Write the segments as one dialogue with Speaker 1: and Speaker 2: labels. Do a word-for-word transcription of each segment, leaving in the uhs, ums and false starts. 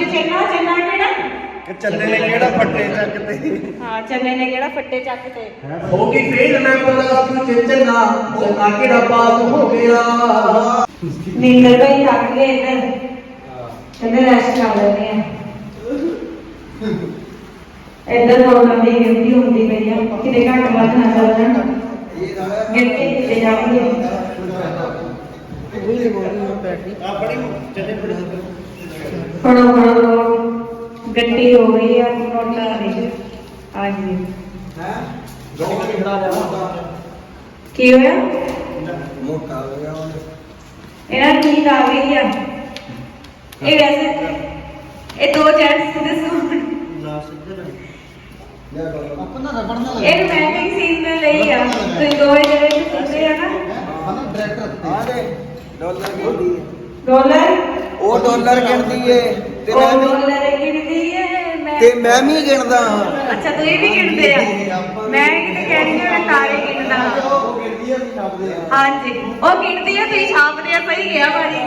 Speaker 1: चन्ना चन्ना केड़ा
Speaker 2: चन्ने ने केड़ा फट्टे चकते।
Speaker 1: हां चन्ने ने केड़ा फट्टे चकते
Speaker 3: होगी फेल मैं प्लस टू च चन्ना चन्ना केड़ा पास हो गया।
Speaker 1: नींदर भाई थक गए इधर कहते रेस्ट कर लेते हैं इधर लोगों की गिनती होती पई है किते घट वध ना चल जाण गिनती किते जाएंगे फड़ो फड़ो गड्डी हो गई है नोटा दी हाँ जी की होया
Speaker 2: मोटा हो गया
Speaker 1: ਇਹਨਾਂ ਨੂੰ ਨੀਂਦ ਆ ਗਈ ਆ ਇਹ ਵੈਸੇ ਇਹ ਦੋ ਜੈਂਟਸ ਦੇ ਸੂਟ
Speaker 2: ना सिद्धर अपना रबड़ ना
Speaker 1: ਇਹ ਰੋਮਾਂਟਿਕ ਸੀਨ ਦੇ ਲਈ ਆ ਤੁਸੀਂ ਦੋਵੇਂ ਜਿਹੜੇ ਸੁਣਦੇ ਆ ਨਾ
Speaker 2: हां डायरेक्टर आ गए डॉलर गिनती है
Speaker 1: ਡਾਲਰ
Speaker 2: ਉਹ ਡਾਲਰ ਗਿਣਦੀ ਏ ਤੇ
Speaker 1: ਉਹ
Speaker 2: ਮੈਂ ਵੀ
Speaker 1: ਡਾਲਰ ਗਿਣਦੀ ਏ ਮੈਂ
Speaker 2: ਤੇ ਮੈਂ ਵੀ ਗਿਣਦਾ ਹਾਂ।
Speaker 1: ਅੱਛਾ ਤੁਸੀਂ ਵੀ ਗਿਣਦੇ ਆ ਮੈਂ ਕਿਤੇ ਕਹਿਣੀ ਆ ਮੈਂ ਤਾਰੇ ਗਿਣਦਾ ਹਾਂ
Speaker 2: ਉਹ ਗਿਣਦੀ ਆ ਵੀ ਛਾਪਦੇ ਆ।
Speaker 1: ਹਾਂਜੀ ਉਹ ਗਿਣਦੀ ਆ ਤੁਸੀਂ ਛਾਪਦੇ ਆ ਸਹੀ ਗਿਆ ਭਾਜੀ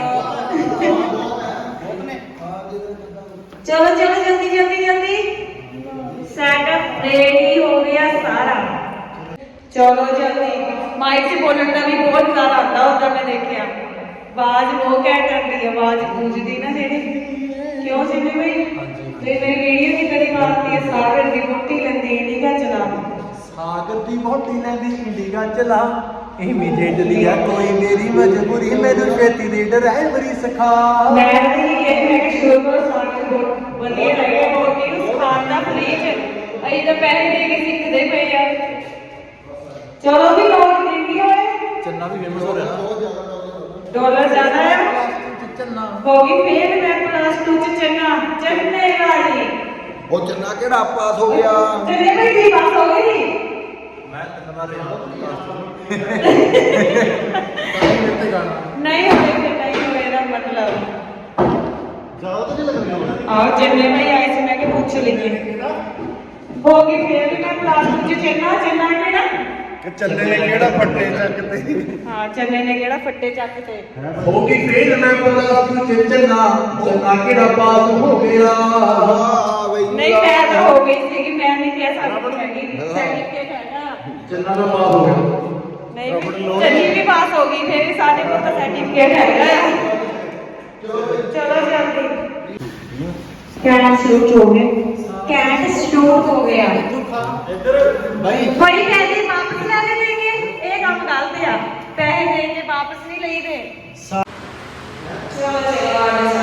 Speaker 1: ਚਲੋ ਚਲੋ ਜਲਦੀ ਜਲਦੀ ਜਲਦੀ सेटअप रेडी हो गया सारा चलो जल्दी माइक से बोलने का भी बहुत ज्यादा आता होता मैं देखिया आवाज वो घट आती है आवाज गूंजती ना जेडी क्यों सिमी भाई ते मेरी वीडियो की कड़ी मारती है सागर दी मोटी लंदी इंडिका चला
Speaker 3: सागर दी मोटी लंदी इंडिका चला इमीडिएटली है कोई मेरी मजबूरी मेरे खेती दी ड्राइवरी सिखा
Speaker 1: मैं भी ये मैं शुरू करो सागर बहुत बढ़िया लगे मोटी उस खान दा प्लीज अई तो पैसे दे के सीखदे पे यार चलो भी लोग देंगी होए
Speaker 3: चन्ना भी फेमस हो रहा
Speaker 1: डॉलर ज्यादा है
Speaker 3: चन्ना
Speaker 1: होगी फेल मैं प्लस टू च चन्ना चन्ने वाली
Speaker 2: ਉਹ ਚੰਨਾ ਕਿਹੜਾ ਪਾਸ ਹੋ ਗਿਆ
Speaker 1: चन्ने भाई की बात हो गई
Speaker 3: मैं चन्ना रहा
Speaker 1: नहीं होए फिर नहीं होए ना मतलब
Speaker 2: ਜ਼ਿਆਦਾ ਤਾਂ ਨਹੀਂ ਲੱਗ ਰਿਹਾ
Speaker 1: आओ चन्ने भाई आए से मैं के पूछ लीजिए होगी फेल मैं प्लस टू च चन्ना चन्ना केड़ा
Speaker 2: ਕਿ ਚੰਨੇ ਨੇ ਕਿਹੜਾ ਫੱਟੇ ਚੱਕਤੇ।
Speaker 1: हां चन्ने ने केड़ा फट्टे चकते
Speaker 3: होगी फेल मैं प्लस टू च चन्ना चन्ना केड़ा पास हो गया।
Speaker 2: ਹਾਂ ਬਈ
Speaker 1: नहीं मैं तो हो गई थी कि मैं नहीं कह सकती हैगी सर्टिफिकेट है ना
Speaker 3: चन्ना का पास हो गया
Speaker 1: नहीं चन्नी भी पास होगी फिर भी साढ़े को तो सर्टिफिकेट है चलो जल्दी कैट शूट हो गया कैट शूट हो गया
Speaker 2: ਭਾਈ
Speaker 1: भाई पैसे वापस ले देंगे ये काम गलत है पैसे देंगे वापस नहीं ले दे चलो चलो